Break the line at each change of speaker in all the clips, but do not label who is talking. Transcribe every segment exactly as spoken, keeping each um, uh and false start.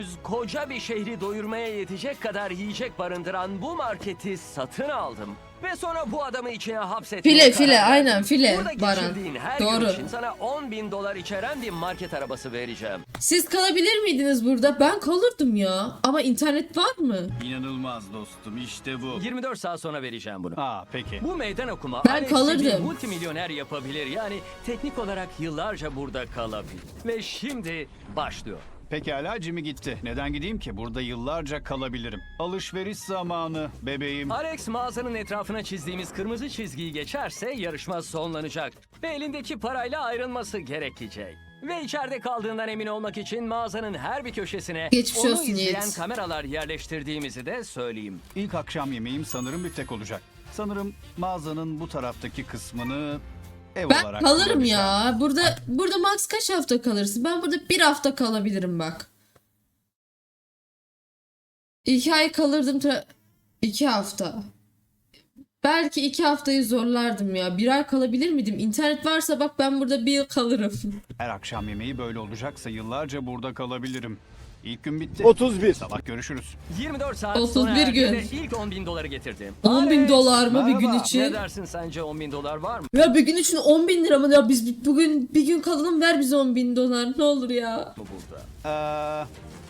Koca bir şehri doyurmaya yetecek kadar yiyecek barındıran bu marketi satın aldım. Ve sonra bu adamı içine hapsetmeye
File
karar
file
verdim.
aynen file
Burada
Baran.
geçirdiğin her gün
Doğru.
için sana on bin dolar içeren bir market arabası vereceğim.
Siz kalabilir miydiniz burada? Ben kalırdım ya. Ama internet var mı?
İnanılmaz dostum, işte bu.
yirmi dört saat sonra vereceğim bunu.
Aa peki.
Bu meydan okuma
Ben
Alex'i bir
kalırdım.
multimilyoner yapabilir. Yani teknik olarak yıllarca burada kalabilir. Ve şimdi başlıyor.
Pekala, Jimmy gitti. Neden gideyim ki? Burada yıllarca kalabilirim. Alışveriş zamanı bebeğim.
Alex mağazanın etrafına çizdiğimiz kırmızı çizgiyi geçerse yarışma sonlanacak. Ve elindeki parayla ayrılması gerekecek. Ve içeride kaldığından emin olmak için mağazanın her bir köşesine
Geçmiş
onu
olsun
izleyen
Yiğit.
kameralar yerleştirdiğimizi de söyleyeyim.
İlk akşam yemeğim sanırım biftek olacak. Sanırım mağazanın bu taraftaki kısmını ev
Ben
olarak
kalırım
kullanacağım.
ya. Burada burada max kaç hafta kalırsın? Ben burada bir hafta kalabilirim bak. İki ay kalırdım. tra- iki hafta. Belki iki haftayı zorlardım ya. Bir ay kalabilir miydim? İnternet varsa bak ben burada bir yıl kalırım.
Her akşam yemeği böyle olacaksa yıllarca burada kalabilirim. İlk gün bitti.
otuz bir.
Sabah görüşürüz.
yirmi dört saat
otuz
sonra
bir
erdi
gün.
ve ilk on bin doları getirdim.
on bin
Alex,
dolar mı bir gün
merhaba.
için?
Ne dersin, sence on bin dolar var mı?
Ya bir gün için on bin lira mı? Ya biz bugün bir gün kalalım, ver bize on bin dolar. Ne olur ya.
Bu burada.
Ee,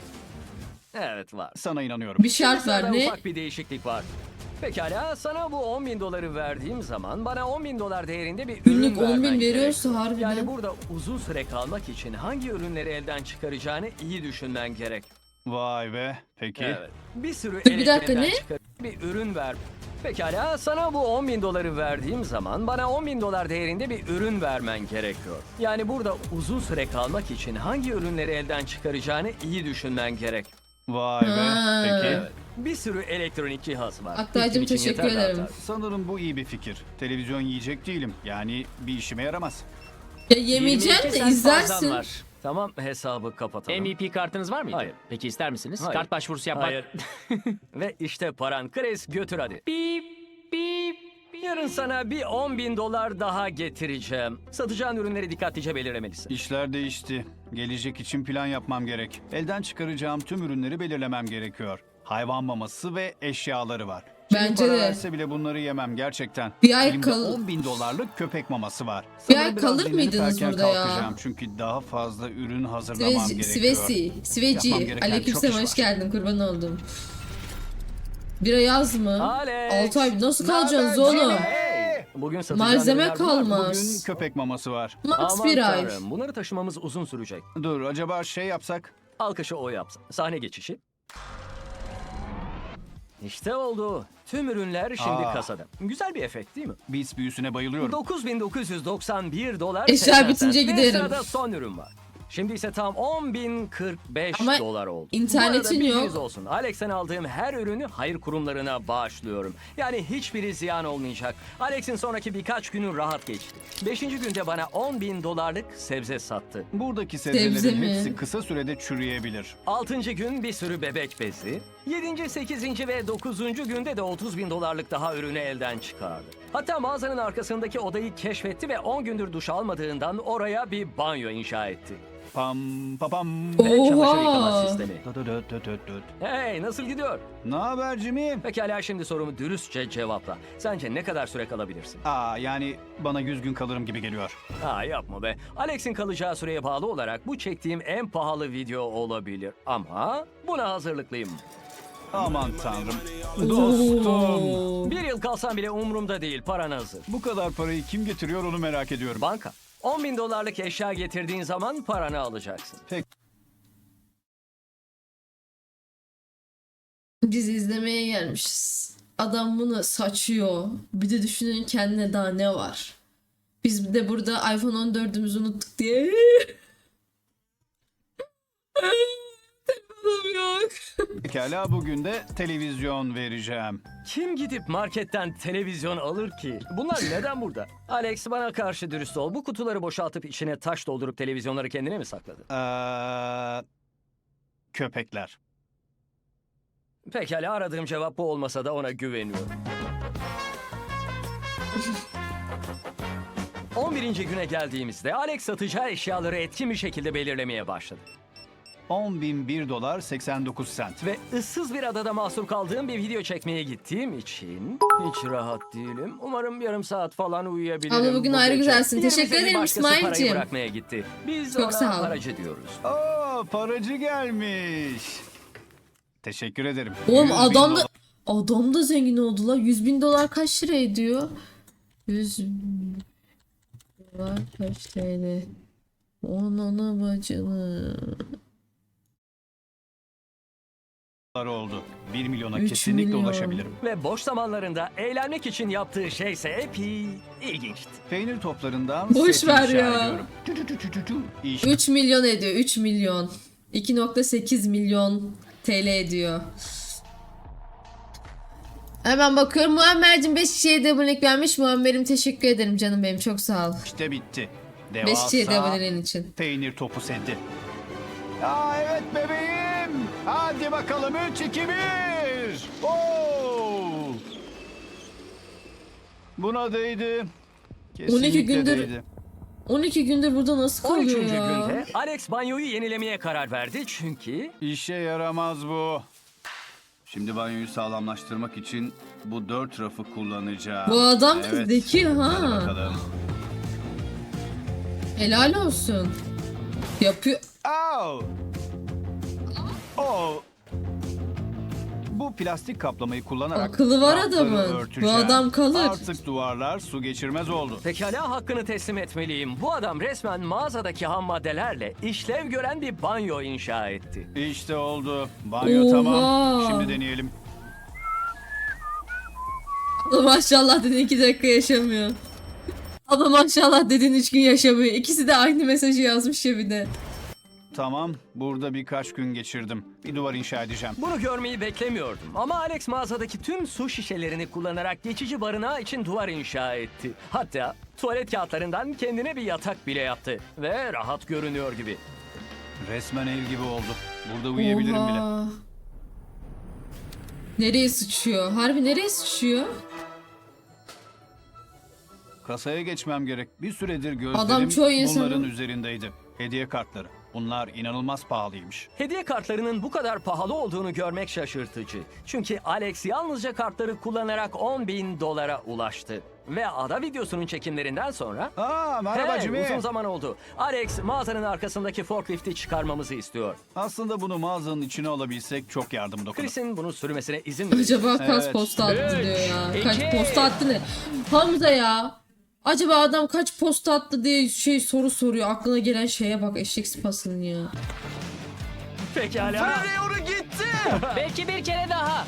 Evet var.
sana inanıyorum.
Bir şart
Sırada
var ne?
ufak bir değişiklik var. Pekala, sana bu on bin doları verdiğim zaman bana on bin dolar değerinde bir ürün
Günlük on
vermen
bin
gerek.
veriyorsa harbiden.
Yani burada uzun süre kalmak için hangi ürünleri elden çıkaracağını iyi düşünmen gerek.
Vay be. Peki.
Evet. Bir sürü
Dur, bir dakika,
elektrikten
ne?
çıkar- bir ürün ver. Pekala, sana bu on bin doları verdiğim zaman bana on bin dolar değerinde bir ürün vermen gerekiyor. Yani burada uzun süre kalmak için hangi ürünleri elden çıkaracağını iyi düşünmen gerek.
Vay be.
Ha.
Peki.
Evet. Bir sürü elektronik cihaz var.
Aktaycığım,
İlkin için
teşekkür
yeterli
ederim.
hatta.
Sanırım bu iyi bir fikir. Televizyon yiyecek değilim. Yani bir işime yaramaz.
Ya yemeyeceksin
yirmi iki
de
sent fazlan
izlersin.
var. Tamam, hesabı kapatalım.
M V P kartınız var mıydı?
Hayır.
Peki ister misiniz?
Hayır.
Kart başvurusu yapmak.
Hayır. Ve işte paran. Chris, götür hadi.
Bip bip.
Yarın sana bir on bin dolar daha getireceğim. Satacağın ürünleri dikkatlice belirlemelisin.
İşler değişti. Gelecek için plan yapmam gerek. Elden çıkaracağım tüm ürünleri belirlemem gerekiyor. Hayvan maması ve eşyaları var. Şimdi
Bence
para
de.
verse bile bunları yemem gerçekten.
Bir ay
Elimde
kal-
on bin dolarlık köpek maması var.
Bir
Sanırım
ay
biraz
kalır
dinlenip
mıydınız
erken
burada ya?
kalkacağım. Çünkü daha fazla ürün hazırlamam
Sveci,
gerekiyor.
Sveci,
Yapmam
Sveci.
gereken
Aleykümselam,
çok iş
hoş
var.
geldin, kurban oldum. Bir ay az mı?
Alex.
altı ay nasıl
Ne haber
kalacaksınız oğlum?
Hey! Bugün satacağın
Malzeme
ürünler bunlar.
kalmaz.
Bugün köpek maması var.
Max
Aman
bir ay.
tanrım, bunları taşımamız uzun sürecek.
Dur, acaba şey yapsak?
Alkışı o yapsın. Sahne geçişi. İşte oldu. Tüm ürünler şimdi
Aa.
kasada. Güzel bir efekt değil mi?
Beats büyüsüne bayılıyorum.
dokuz bin dokuz yüz doksan bir dolar.
Eşya
seksen
bitince
sent. Ve
giderim.
sırada son ürün var. Şimdi ise tam on bin kırk beş
Ama
dolar oldu.
internetin
Bu arada bilginiz
yok.
olsun. Alex'ten aldığım her ürünü hayır kurumlarına bağışlıyorum. Yani hiçbiri ziyan olmayacak. Alex'in sonraki birkaç günü rahat geçti. Beşinci günde bana on bin dolarlık sebze sattı.
Buradaki
Sebze
sebzelerin
mi?
hepsi kısa sürede çürüyebilir.
Altıncı gün bir sürü bebek bezi. Yedinci, sekizinci ve dokuzuncu günde de otuz bin dolarlık daha ürünü elden çıkardı. Hatta mağazanın arkasındaki odayı keşfetti ve on gündür duş almadığından oraya bir banyo inşa etti.
Pam papam.
Ve çamaşır yıkama
Oha.
sistemi.
Döt döt döt döt döt.
Hey, nasıl gidiyor?
Ne haber Jimmy?
Pekala, şimdi sorumu dürüstçe cevapla. Sence ne kadar süre kalabilirsin?
Aa, yani bana yüz gün kalırım gibi geliyor.
Ha, yapma be. Alex'in kalacağı süreye bağlı olarak bu çektiğim en pahalı video olabilir. Ama buna hazırlıklıyım.
Aman tanrım. Dostum.
Oo.
Bir yıl kalsam bile umurumda değil. Paran hazır.
Bu kadar parayı kim getiriyor onu merak ediyorum.
Banka. on bin dolarlık eşya getirdiğin zaman paranı alacaksın.
Biz izlemeye gelmişiz. Adam bunu saçıyor. Bir de düşünün kendine daha ne var. Biz de burada iPhone on dördümüzü unuttuk diye. Telefonum yok.
Pekala, bugün de televizyon vereceğim.
Kim gidip marketten televizyon alır ki? Bunlar neden burada? Alex, bana karşı dürüst ol. Bu kutuları boşaltıp içine taş doldurup televizyonları kendine mi sakladın?
Ee, köpekler.
Pekala, aradığım cevap bu olmasa da ona güveniyorum. on birinci güne geldiğimizde Alex satacağı eşyaları etkin bir şekilde belirlemeye başladı.
on bin bir dolar seksen dokuz sent.
Ve ıssız bir adada mahsur kaldığım bir video çekmeye gittiğim için hiç rahat değilim. Umarım yarım saat falan uyuyabilirim.
Ama bugün
bu
ayrı
gece.
güzelsin.
Diğerimizin
Teşekkür
bir
ederim
başkası parayı
İsmail'cim.
bırakmaya gitti. Biz
Çok
ona
sağ ol.
paracı diyoruz.
Aa, paracı gelmiş. Teşekkür ederim.
Oğlum
yüz bin
adam da
dolar.
adam da zengin oldu la. yüz bin dolar kaç lira ediyor? yüz bin dolar kaç T L? Onun bacını.
oldu. bir milyona
Üç
kesinlikle
milyon.
ulaşabilirim.
Ve boş zamanlarında eğlenmek için yaptığı şeyse epey ilginçti.
Peynir toplarından
Boş
set
ver
inşa
ya.
ediyorum. Tü tü tü tü tü tü. İş
üç milyon ediyor. üç milyon. iki nokta sekiz milyon T L ediyor. Hemen bakıyorum. Muammer'cim beş kişiye de abonelik vermiş. Muammer'im teşekkür ederim canım benim. Çok sağ ol.
işte bitti.
beş kişiye de
Devasa
aboneliğin için.
peynir topu seti. Aa evet bebeğim. Hadi bakalım üç iki bir. Oo! Buna değdi. Kesinlikle
on iki gündür
değdi.
on iki gündür burada nasıl
on
kalıyor
üçüncü
ya?
günde Alex banyoyu yenilemeye karar verdi çünkü
İşe yaramaz bu. Şimdi banyoyu sağlamlaştırmak için bu dört rafı kullanacağım.
Bu adam da
Evet.
zeki
Hadi
ha.
bakalım.
Helal olsun. Yapıyor.
Au! Oh! Bu plastik kaplamayı kullanarak
Akıllı var
rafları
adamın. Bu
örteceğim.
adam kalır.
Artık duvarlar su geçirmez oldu.
pekala hakkını teslim etmeliyim. Bu adam resmen mağazadaki ham maddelerle işlev gören bir banyo inşa etti.
İşte oldu. Banyo
Oha!
tamam. Şimdi deneyelim.
Ama maşallah dedin iki dakika yaşamıyor. Ama maşallah dedin üç gün yaşamıyor. İkisi de aynı mesajı yazmış ya bir de.
Tamam. Burada birkaç gün geçirdim. Bir duvar inşa edeceğim.
Bunu görmeyi beklemiyordum ama Alex mağazadaki tüm su şişelerini kullanarak geçici barınağı için duvar inşa etti. Hatta tuvalet kağıtlarından kendine bir yatak bile yaptı ve rahat görünüyor gibi.
Resmen ev gibi oldu. Burada uyuyabilirim bile.
Oha. Nereye sıçıyor? Harbi nereye sıçıyor?
Kasaya geçmem gerek. Bir süredir gözlerim
Adam çoğu insanın-
bunların üzerindeydi. Hediye kartları. Bunlar inanılmaz pahalıymış.
Hediye kartlarının bu kadar pahalı olduğunu görmek şaşırtıcı. Çünkü Alex yalnızca kartları kullanarak on bin dolara ulaştı. Ve ada videosunun çekimlerinden sonra...
Aa merhaba
Hey,
Jimmy.
uzun zaman oldu. Alex mağazanın arkasındaki forklifti çıkarmamızı istiyor.
Aslında bunu mağazanın içine alabilsek çok yardım dokunur.
Chris'in bunu sürmesine izin verin.
Acaba kaç
Evet.
posta attı
Üç,
diyor ya. Kaç
iki.
posta attı ne? Hamza ya. Acaba adam kaç posta attı diye şey soru soruyor. Aklına gelen şeye bak eşek sıpasının ya.
Pekala.
onu gitti.
Belki bir kere daha.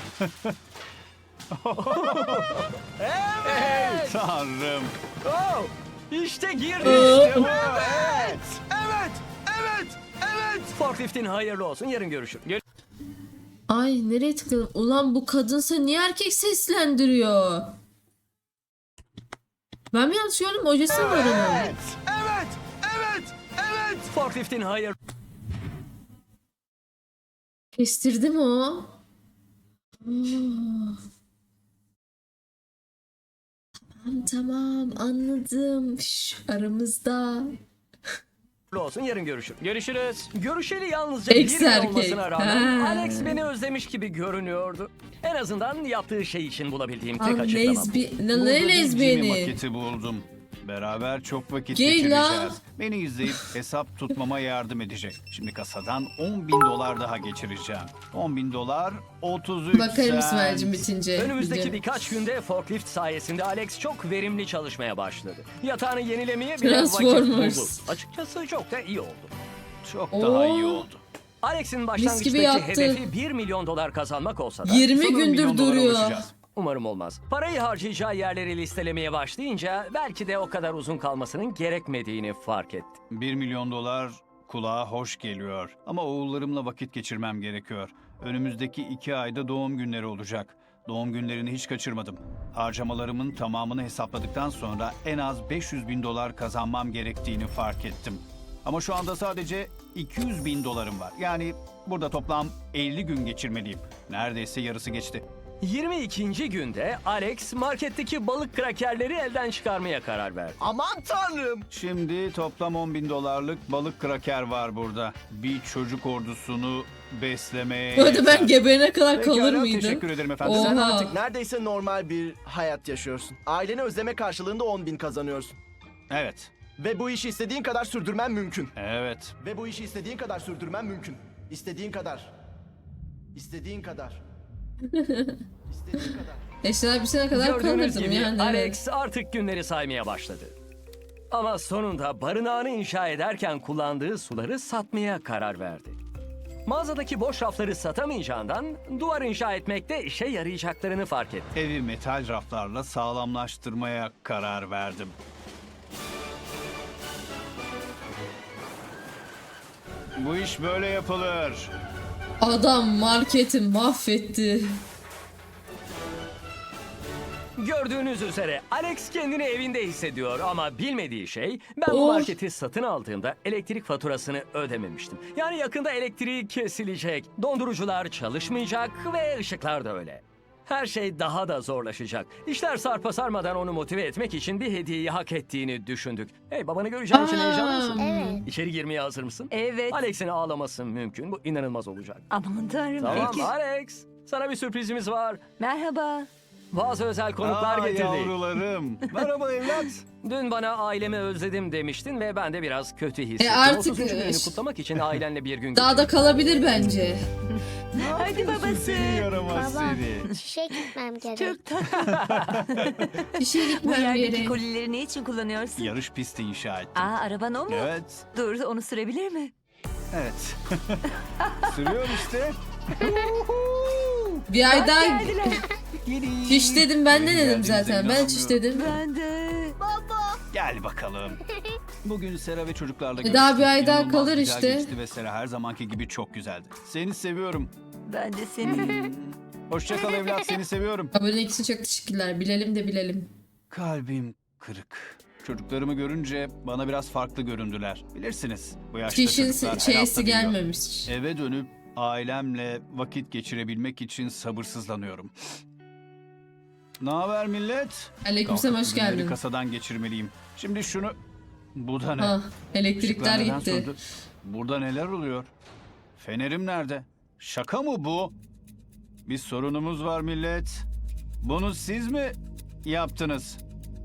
Evet.
Tanrım.
Oh, işte girdi.
Ee?
İşte bu. Evet. Evet. Evet. Evet. Forkliftin hayırlı olsun. Yarın görüşürüz.
Ay nereye tıkladım? Ulan bu kadınsa niye erkek seslendiriyor? Ben mi yanlış gördüm? Ojesi mi var onun?
Evet. Evet. Evet. Forkliftin hayır.
Kestirdi mi o? Ah. Tamam tamam anladım. Şş, aramızda.
olsun. Yarın görüşürüz. Görüşürüz. Görüşeli yalnızca
Ex
bir gün
erkek.
olmasına rağmen
Ha.
Alex beni özlemiş gibi görünüyordu. En azından yaptığı şey için bulabildiğim tek
Lan
açıklama bu.
lezbi...
Burada
Lan
bir
ne
Jimmy
lezbiyeni?
maketi buldum. Beraber çok vakit
Gel
geçireceğiz.
lan.
Beni izleyip hesap tutmama yardım edecek. Şimdi kasadan on bin dolar daha geçireceğim. on bin dolar otuz üç
Bakarım
sent.
İsmail'cim bitince.
Önümüzdeki
video.
birkaç günde forklift sayesinde Alex çok verimli çalışmaya başladı. Yatağını yenilemeye bile vakit
Transformers.
buldu. Açıkçası çok da iyi oldu.
Çok
Oo.
daha iyi oldu.
Alex'in
gibi
başlangıçtaki
yaptı.
hedefi bir milyon dolar kazanmak olsa da
yirmi
Sanırım
gündür
milyon dolara
duruyor.
ulaşacağız.
umarım olmaz. Parayı harcayacağı yerleri listelemeye başlayınca belki de o kadar uzun kalmasının gerekmediğini fark etti.
bir milyon dolar kulağa hoş geliyor. Ama oğullarımla vakit geçirmem gerekiyor. Önümüzdeki iki ayda doğum günleri olacak. Doğum günlerini hiç kaçırmadım. Harcamalarımın tamamını hesapladıktan sonra en az beş yüz bin dolar kazanmam gerektiğini fark ettim. Ama şu anda sadece iki yüz bin dolarım var. Yani burada toplam elli gün geçirmeliyim. Neredeyse yarısı geçti.
yirmi ikinci günde Alex marketteki balık krakerleri elden çıkarmaya karar verdi.
Aman tanrım.
Şimdi toplam on bin dolarlık balık kraker var burada. Bir çocuk ordusunu beslemeye
Bu arada ben
yeter.
geberene kadar kalır
Pekala,
mıydım?
teşekkür ederim efendim.
Oha.
Sen artık neredeyse normal bir hayat yaşıyorsun. Aileni özleme karşılığında on bin kazanıyorsun.
Evet.
Ve bu işi istediğin kadar sürdürmen mümkün.
Evet.
Ve bu işi istediğin kadar sürdürmen mümkün. İstediğin kadar. İstediğin kadar. İstediğin kadar.
Eşler bir sene kadar
Gördüğünüz
kalırdım
gibi
yani.
Alex
Evet.
artık günleri saymaya başladı. Ama sonunda barınağını inşa ederken kullandığı suları satmaya karar verdi. Mağazadaki boş rafları satamayacağından duvar inşa etmekte işe yarayacaklarını fark etti.
Evi metal raflarla sağlamlaştırmaya karar verdim. Bu iş böyle yapılır.
Adam marketi mahvetti.
Gördüğünüz üzere Alex kendini evinde hissediyor ama bilmediği şey ben bu
Oh.
marketi satın aldığımda elektrik faturasını ödememiştim. Yani yakında elektriği kesilecek, dondurucular çalışmayacak ve ışıklar da öyle. Her şey daha da zorlaşacak. İşler sarpa sarmadan onu motive etmek için bir hediyeyi hak ettiğini düşündük. Hey, babanı göreceğin için heyecanlı mısın?
Evet.
İçeri girmeye hazır mısın?
Evet.
Alex'in ağlaması mümkün. Bu inanılmaz olacak.
Aman tanrım.
Tamam
Peki.
Alex, sana bir sürprizimiz var.
Merhaba.
Bazı özel konuklar
Aa,
getirdik.
yavrularım. Merhaba evlat.
Dün bana ailemi özledim demiştin ve ben de biraz kötü hissettim.
E artık,
otuzuncu gününü
e,
kutlamak için ailenle bir gün
Daha da kalabilir bence.
Hadi babası.
Seni yaramaz
Baba.
seni.
İşe gitmem gerek.
Çok tatlı.
Bir şey
Bu
gitmem
yerdeki
yere.
kolileri ne için kullanıyorsun?
Yarış pisti inşa ettim.
Aa, araban o mu?
Evet.
Dur, onu sürebilir mi?
Evet. Sürüyor işte.
Bir ay daha
Geldiler.
fiş dedim ben de
Benim
dedim
geldiğimize
zaten. Ben fiş
inanamıyorum.
dedim.
Ben de.
Gel bakalım. Bugün Sera ve çocuklarla
E daha bir ay daha
İnanılmaz
kalır
güzel
işte.
geçti ve Sera her zamanki gibi çok güzeldi. Seni seviyorum.
Ben de seni.
Hoşça kal evlat, seni seviyorum.
Abonelik için çok teşekkürler. Bilelim de bilelim.
Kalbim kırık. Çocuklarımı görünce bana biraz farklı göründüler. Bilirsiniz, bu yaşta
Fişin
çocuklar her hafta
şeysi
büyüyor.
gelmemiş.
Eve dönüp ailemle vakit geçirebilmek için sabırsızlanıyorum. Ne haber millet?
Aleykümselam, hoş
Kalkıp ürünleri
geldin.
kasadan geçirmeliyim. Şimdi şunu... Bu da ne?
Ha, elektrikler
Işıklar neden
gitti.
söndü? Burada neler oluyor? Fenerim nerede? Şaka mı bu? Bir sorunumuz var millet. Bunu siz mi yaptınız?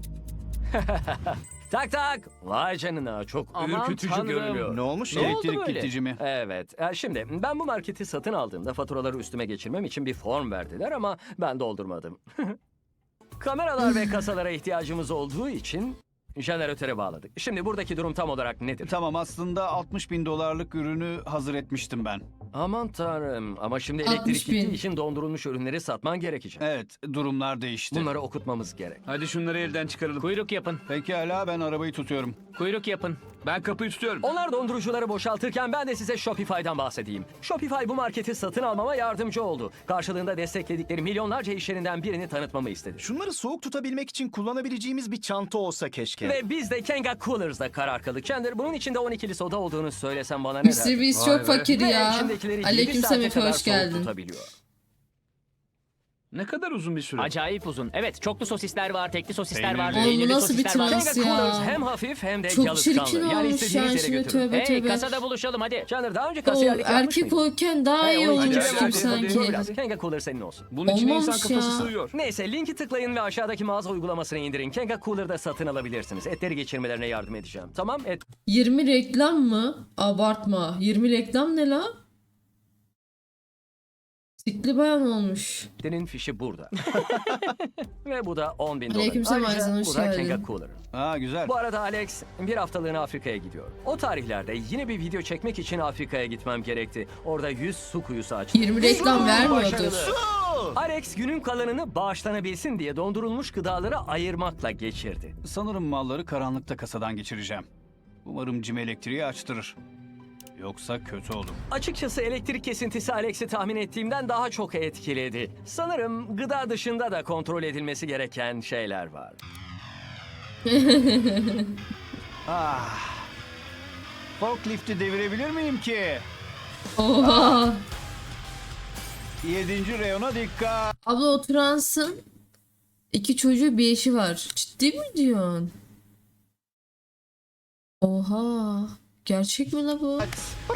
Tak tak. Vay canına, çok
Aman
ürkütücü
tanrım.
görünüyor.
Ne olmuş?
Ne oldu
Elektrik
böyle?
gidici mi?
Evet. e, Şimdi ben bu marketi satın aldığımda faturaları üstüme geçirmem için bir form verdiler ama ben doldurmadım. Kameralar ve kasalara ihtiyacımız olduğu için jeneratöre bağladık. Şimdi buradaki durum tam olarak nedir?
Tamam, aslında altmış bin dolarlık ürünü hazır etmiştim ben.
Aman tanrım, ama şimdi
altmış
elektrik
bin.
gittiği için dondurulmuş ürünleri satman gerekecek.
Evet, durumlar değişti.
Bunları okutmamız gerek.
Hadi şunları elden çıkaralım.
Kuyruk yapın.
Pekala, ben arabayı tutuyorum.
Kuyruk yapın.
Ben kapıyı tutuyorum.
Onlar dondurucuları boşaltırken ben de size Shopify'dan bahsedeyim. Shopify bu marketi satın almama yardımcı oldu. Karşılığında destekledikleri milyonlarca iş yerinden birini tanıtmamı istedi.
Şunları soğuk tutabilmek için kullanabileceğimiz bir çanta olsa keşke.
Ve biz de Kenga Coolers'da karar kıldık. Chandler, bunun içinde on ikili soda olduğunu söylesem bana ne
mister
der?
Beast
Vay
çok
be.
fakir
Ve
ya.
içindekileri yedi
Aleykümselam
saate
Efe,
kadar
hoş
soğuk
geldin.
tutabiliyor.
Ne kadar uzun bir süre.
Acayip uzun. Evet, çoklu sosisler var, tekli sosisler
Peynirli.
var,
Oğlum, bu
peynirli
nasıl bir
sosisler var.
trans?
Kenga
ya.
Coolers hem hafif hem de
Çok
yalıtkanlı.
çirkin
Yani
olmuş
istediğiniz
yani
yere
şimdi,
götürün.
tövbe
Hey,
tövbe.
kasada buluşalım hadi.
Chandler, daha önce
O
kasiyerlik yapmış
erkek
mıydın?
olurken daha
Hey,
iyi
o
olmuş
içine
hadi,
gibi
hadi,
sanki.
Dur biraz. Kenga Cooler senin olsun.
Bunun içine insan
Olmamış
kafası
ya.
sığıyor.
Neyse, linki tıklayın ve aşağıdaki mağaza uygulamasını indirin. Kenga Cooler'da satın alabilirsiniz. Etleri geçirmelerine yardım edeceğim. Tamam, et.
yirmi reklam mı? Abartma. yirmi reklam ne la? Sikli bayan olmuş.
Senin fişi burada. Ve bu da on bin dolar.
Aleykümselam
Ayrıca
Ayzen, hoş
bu da
geldin.
Kenga Cooler.
Aa, güzel.
Bu arada Alex bir haftalığına Afrika'ya gidiyor. O tarihlerde yine bir video çekmek için Afrika'ya gitmem gerekti. Orada yüz su kuyusu açtım.
yirmi reklam vermiyordur.
Başarılı. Alex günün kalanını bağışlanabilsin diye dondurulmuş gıdaları ayırmakla geçirdi.
Sanırım malları karanlıkta kasadan geçireceğim. Umarım Jim elektriği açtırır. Yoksa kötü olur.
Açıkçası elektrik kesintisi Alex'i tahmin ettiğimden daha çok etkiledi. Sanırım gıda dışında da kontrol edilmesi gereken şeyler var.
Ah. Forklifti devirebilir miyim ki?
Oha.
Yedinci reyona dikkat.
Abla oturansın. İki çocuğu bir eşi var. Ciddi mi diyorsun? Oha. Gerçek mi la bu?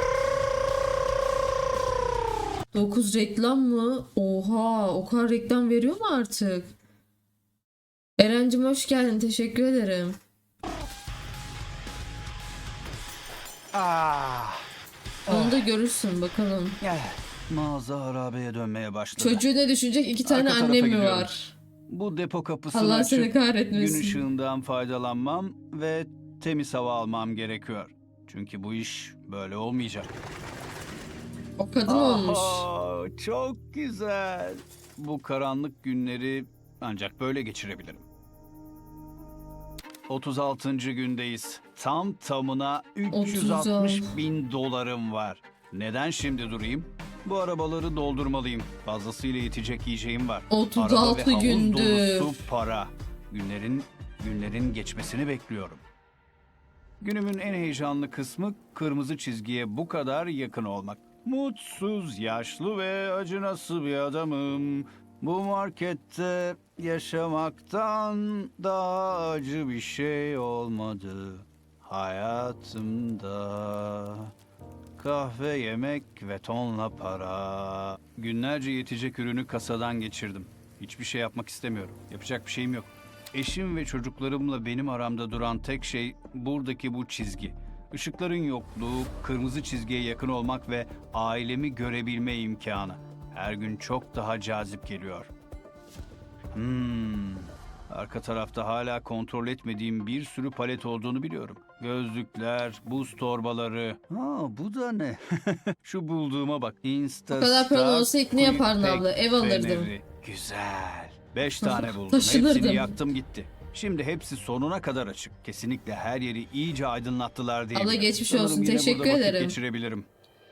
dokuz reklam mı? Oha. O kadar reklam veriyor mu artık? Erencim hoş geldin. Teşekkür ederim.
Ah,
Onu da görürsün bakalım.
mağaza harabeye dönmeye başladı.
Çocuğu ne düşünecek? İki tane
Arka tarafa
annem mi
gidiyorum.
var?
Bu depo kapısını
Allah
açıp
seni
gün
kahretmesin.
ışığından faydalanmam ve temiz hava almam gerekiyor. Çünkü bu iş böyle olmayacak.
O kadın olmuş.
Aha, çok güzel. Bu karanlık günleri ancak böyle geçirebilirim. otuz altıncı gündeyiz. Tam tamına üç yüz altmış bin dolarım var. Neden şimdi durayım? Bu arabaları doldurmalıyım. Fazlasıyla yetecek yiyeceğim var.
otuz
Araba
altı
ve havuz
gündü.
dolusu para. Günlerin günlerin geçmesini bekliyorum. Günümün en heyecanlı kısmı kırmızı çizgiye bu kadar yakın olmak. Mutsuz, yaşlı ve acınası bir adamım. Bu markette yaşamaktan daha acı bir şey olmadı hayatımda. Kahve, yemek ve tonla para. Günlerce yetecek ürünü kasadan geçirdim. Hiçbir şey yapmak istemiyorum. Yapacak bir şeyim yok. Eşim ve çocuklarımla benim aramda duran tek şey buradaki bu çizgi. Işıkların yokluğu, kırmızı çizgiye yakın olmak ve ailemi görebilme imkanı. Her gün çok daha cazip geliyor. Hmm. Arka tarafta hala kontrol etmediğim bir sürü palet olduğunu biliyorum. Gözlükler, buz torbaları. Ha, bu da ne? Şu bulduğuma bak. Insta
O kadar paran olsa ilk ne yapardın abla? Ev alırdım.
Güzel. Beş tane buldum.
Taşınırdım.
Hepsini yaktım gitti. Şimdi hepsi sonuna kadar açık. Kesinlikle her yeri iyice aydınlattılar diye.
Abla geçmiş
Sanırım
olsun.
yine
Teşekkür
burada vakit
ederim.
geçirebilirim.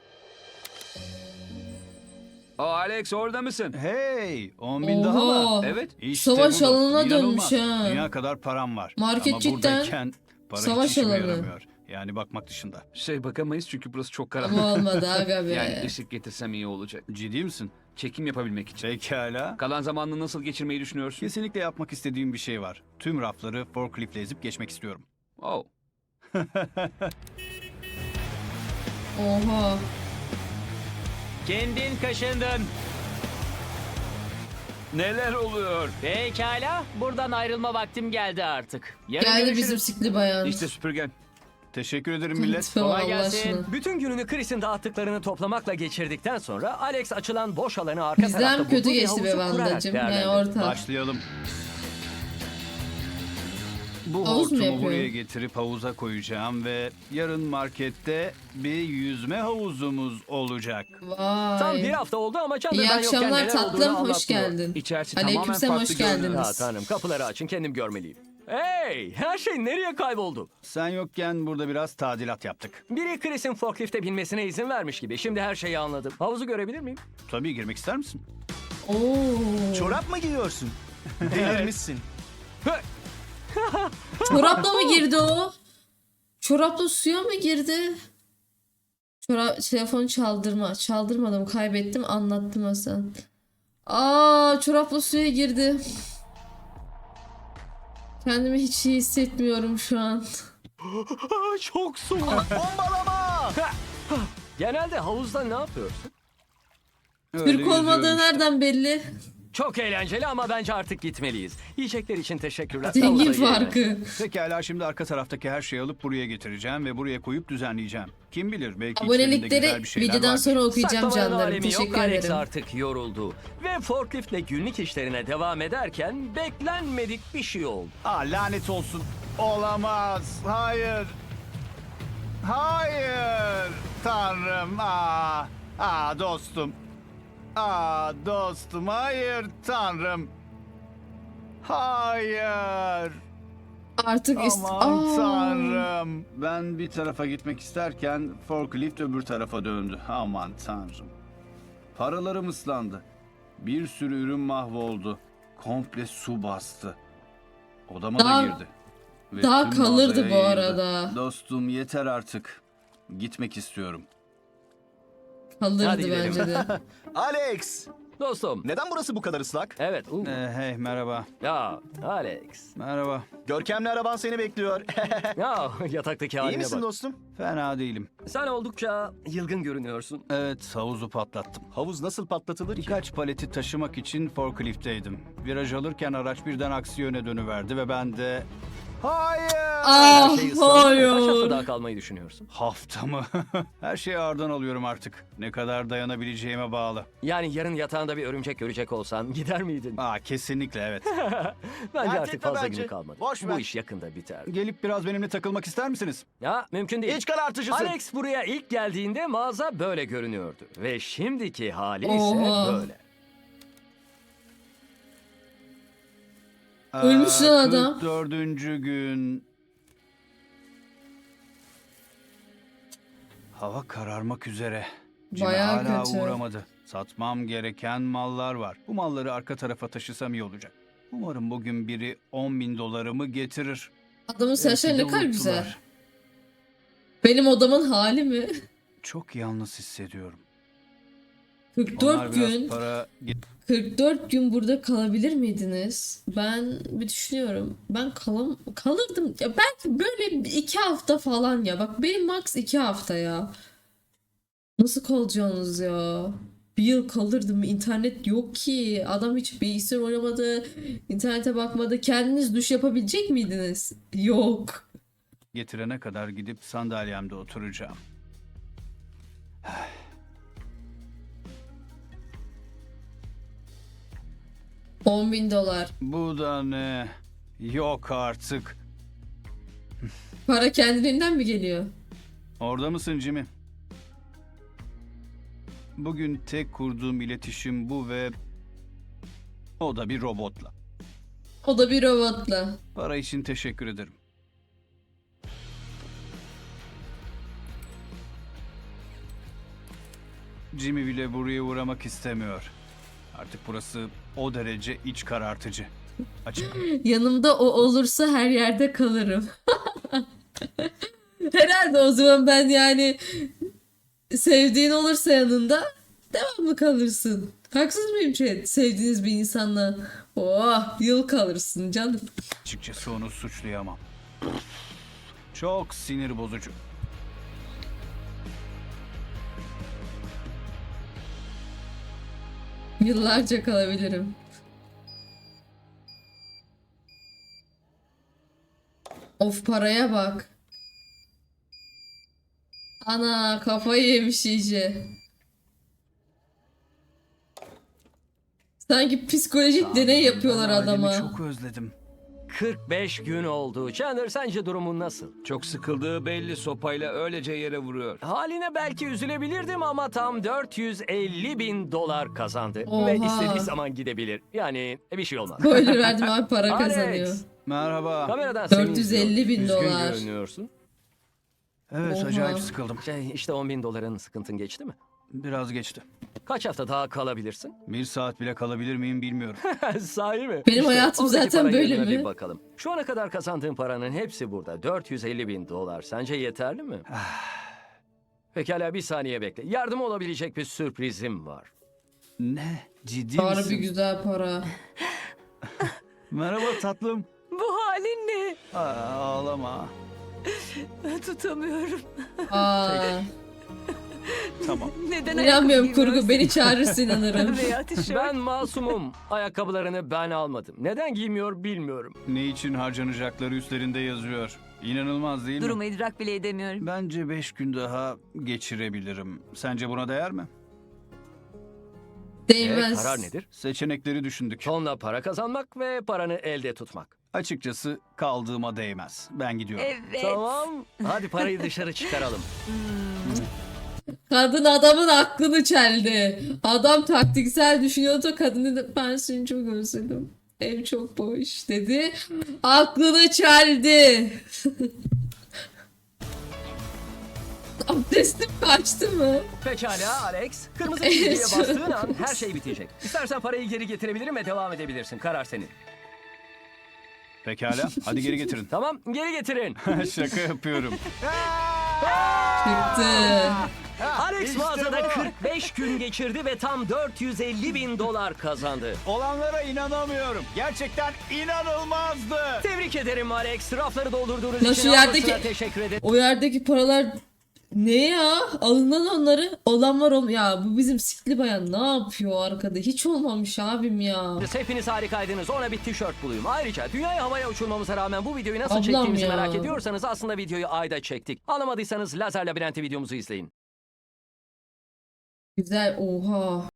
O Alex orada mısın?
Hey, on bin daha mı?
Oha.
Evet.
İşte
Savaş
bu.
alanına
İnanılmaz.
dönmüş ha.
Dünya kadar param var.
Market
Ama
cidden
buradayken para
savaş
hiç işime
alanı.
yaramıyor. Yani bakmak dışında.
Şey bakamayız çünkü burası çok karanlık.
Ama olmadı aga be.
Yani ışık getirsem iyi olacak.
Ciddi misin?
Çekim yapabilmek için.
Pekala.
Kalan zamanını nasıl geçirmeyi düşünüyorsun?
Kesinlikle yapmak istediğim bir şey var. Tüm rafları forkliftle ezip geçmek istiyorum.
Oh.
Oha.
Kendin kaşındın.
Neler oluyor?
Pekala. Buradan ayrılma vaktim geldi artık. Yarın
Geldi
görüşürüz.
bizim sikli bayan.
İşte süpürgen.
Teşekkür ederim millet.
Lütfen
Kolay
Allah
gelsin.
aşkına.
Bütün gününü Chris'in dağıttıklarını toplamakla geçirdikten sonra Alex açılan boş alanı arka
Bizden
tarafta
kötü
bulduğu bir
geçti be
havuzu kurarak
Vandacığım. Yani
değerlendirdi.
orta.
Başlayalım. Bu
Havuz mu
hortumu
yapıyor?
buraya getirip havuza koyacağım ve yarın markette bir yüzme havuzumuz olacak.
Vay.
Tam bir hafta oldu ama Chandler
İyi
ben yokken
akşamlar
neler
tatlım.
olduğunu
Hoş
anlatmıyor.
geldin.
İçerisi tamamen
Aleykümselam,
farklı
hoş
görünüyor.
geldiniz.
Ha tanrım, kapıları açın, kendim görmeliyim. Hey, her şey nereye kayboldu?
Sen yokken burada biraz tadilat yaptık.
Biri Chris'in forklifte binmesine izin vermiş gibi. Şimdi her şeyi anladım. Havuzu görebilir miyim?
Tabii girmek ister misin?
Oo.
Çorap mı giyiyorsun? Delirmişsin.
Çorapla mı girdi o? Çorapla suya mı girdi? Çorap, telefonu çaldırma. Çaldırmadım, kaybettim, anlattım Hasan. Aa, çorapla suya girdi. Kendimi hiç iyi hissetmiyorum şu an.
Çok soğuk.
Bombalama!
Genelde havuzda ne yapıyorsun?
Öyle
Türk olmadığı
yüzüyorum işte.
nereden belli?
Çok eğlenceli ama bence artık gitmeliyiz. Yiyecekler için teşekkürler.
Zengin
Havuza girelim.
farkı.
Pekala şimdi arka taraftaki her şeyi alıp buraya getireceğim ve buraya koyup düzenleyeceğim. Kim bilir belki içlerinde güzel
Abonelikleri
bir şeyler
videodan
vardır.
sonra okuyacağım
Saklamanın
canlarım.
alemi yok.
Teşekkür
Alex
ederim.
artık yoruldu. Ve forkliftle günlük işlerine devam ederken beklenmedik bir şey oldu.
Aa, lanet olsun. Olamaz. Hayır. Hayır. Tanrım. Aa, aa dostum. Aa dostum. Hayır Tanrım. Hayır.
Artık ist-
Aman
Aa.
Tanrım. Ben bir tarafa gitmek isterken forklift öbür tarafa döndü. Aman Tanrım. Paralarım ıslandı. Bir sürü ürün mahvoldu. Komple su bastı. Odama
Daha-
da girdi. Ve
daha
tüm
kalırdı
mağazaya
bu
yayıldı.
arada.
Dostum yeter artık. Gitmek istiyorum.
Kalırdı
Hadi gidelim.
bence de.
Alex!
Dostum.
Neden burası bu kadar ıslak?
Evet. uh.
Ee, hey merhaba.
Ya Alex.
Merhaba.
Görkemli araban seni bekliyor.
Ya yataktaki
İyi
haline
misin
bak.
dostum?
Fena değilim.
Sen oldukça yılgın görünüyorsun.
Evet havuzu patlattım.
Havuz nasıl patlatılır ki?
Birkaç paleti taşımak için forkliftteydim. Viraj alırken araç birden aksi yöne dönüverdi ve ben de... Hayır!
Ah
Şey ıslandı. Kaç hafta
hayır.
daha kalmayı düşünüyorsun?
Hafta mı? Her şeyi ağırdan alıyorum artık. Ne kadar dayanabileceğime bağlı.
Yani yarın yatağında bir örümcek görecek olsan gider miydin?
Aa kesinlikle evet.
Bence
Fark
artık
etme
fazla
bence.
günü kalmadı.
Boş
Bu
ver.
iş yakında biter.
Gelip biraz benimle takılmak ister misiniz?
Ya mümkün değil.
İç karartıcısın.
Alex buraya ilk geldiğinde mağaza böyle görünüyordu. Ve şimdiki hali ise
Oha.
böyle.
Ölmüş lan adam.
kırk dördüncü gün. Hava kararmak üzere. Jimmy
Bayağı
hala
kötü.
uğramadı. Satmam gereken mallar var. Bu malları arka tarafa taşısam iyi olacak. Umarım bugün biri on bin dolarımı getirir.
Adamın saçları
Belki
ne
de
kadar
unuttular.
güzel. Benim odamın hali mi?
Çok yalnız hissediyorum.
kırk
Onlar
dört
biraz
gün.
para...
kırk dört gün burada kalabilir miydiniz? Ben bir düşünüyorum. Ben kalam kalırdım. Ya belki böyle bir iki hafta falan ya. Bak benim max iki hafta ya. Nasıl kalacaksınız ya? Bir yıl kalırdım. İnternet yok ki. Adam hiç bilgisayar oynamadı. İnternete bakmadı. Kendiniz duş yapabilecek miydiniz? Yok.
getirene kadar gidip sandalyemde oturacağım.
on bin dolar.
Bu da ne? Yok artık.
Para kendiliğinden mi geliyor?
Orada mısın Jimmy? Bugün tek kurduğum iletişim bu ve o da bir robotla.
O da bir robotla.
Para için teşekkür ederim. Jimmy bile buraya uğramak istemiyor. Artık burası o derece iç karartıcı. Açık.
Yanımda o olursa her yerde kalırım. Herhalde o zaman ben yani sevdiğin olursa yanında devamlı kalırsın. Haksız mıyım chat? Sevdiğiniz bir insanla oh yıl kalırsın canım.
Açıkçası onu suçlayamam. Çok sinir bozucu.
Yıllarca kalabilirim. Of paraya bak. Ana kafayı yemiş iyice. Sanki psikolojik deney yapıyorlar
Ben ailemi
adama.
çok özledim.
kırk beş gün oldu. Chandler sence durumun nasıl?
Çok sıkıldığı belli, sopayla öylece yere vuruyor.
Haline belki üzülebilirdim ama tam dört yüz elli bin dolar kazandı.
Oha.
Ve istediği zaman gidebilir. Yani bir şey olmaz.
Spoiler verdim abi para
Alex,
kazanıyor.
Merhaba.
Kameradan seni
dört yüz elli bin
izliyorum. Üzgün
dolar.
görünüyorsun.
Evet
Oha.
acayip sıkıldım.
Şey, işte on bin doların sıkıntın geçti mi?
Biraz geçti.
Kaç hafta daha kalabilirsin?
Bir saat bile kalabilir miyim bilmiyorum.
Sahi mi?
Benim hayatım
oradaki
zaten
para
böyle
yerine
mi?
Bir bakalım. Şu ana kadar kazandığın paranın hepsi burada. dört yüz elli bin dolar. Sence yeterli mi? Pekala bir saniye bekle. Yardım olabilecek bir sürprizim var.
Ne? Ciddi
Harbi
misin?
güzel para.
Merhaba tatlım.
Bu halin ne?
Aa, ağlama.
Tutamıyorum.
Aa,
Tamam.
Neden
inanmıyorum
ayakkabı
kurgu. Beni çağırırsın inanırım.
giymiyorsun? Veya tişört.
Ben masumum. Ayakkabılarını ben almadım. Neden giymiyor bilmiyorum.
Ne için harcanacakları üstlerinde yazıyor. İnanılmaz değil mi?
Durumu idrak bile edemiyorum.
Bence beş gün daha geçirebilirim. Sence buna değer mi?
E,
Değmez.
karar nedir?
Seçenekleri düşündük.
Tonla para kazanmak ve paranı elde tutmak.
Açıkçası kaldığıma değmez. Ben gidiyorum.
Evet.
Tamam. Hadi parayı dışarı çıkaralım.
Kadın adamın aklını çeldi. Adam taktiksel düşünüyordu. Kadını da ben seni çok özledim. Ev çok boş dedi. Aklını çeldi. Abdestim kaçtı mı?
Pekala Alex. Kırmızı çizgiye bastığın an her şey bitecek. İstersen parayı geri getirebilirim ve devam edebilirsin. Karar senin.
Pekala. Hadi geri getirin.
Tamam geri getirin.
Şaka yapıyorum.
Çıktı.
Alex
İşte
mağazada
bu.
kırk beş gün geçirdi ve tam dört yüz elli bin dolar kazandı.
Olanlara inanamıyorum. Gerçekten inanılmazdı.
Tebrik ederim Alex. Rafları doldurduğunuz
Ya
için
şu yerdeki-
ablasına teşekkür ederim.
O yerdeki paralar ne ya? Alın lan onları. Olan var ol. Ya bu bizim sikli bayan ne yapıyor arkada? Hiç olmamış abim ya.
Hepiniz harikaydınız. Ona bir tişört bulayım. Ayrıca dünyaya havaya uçurmamıza rağmen bu videoyu nasıl
Ablam
çektiğimizi
ya.
merak ediyorsanız aslında videoyu ayda çektik. Anlamadıysanız Lazer Labirenti videomuzu izleyin.
Güzel. Oha.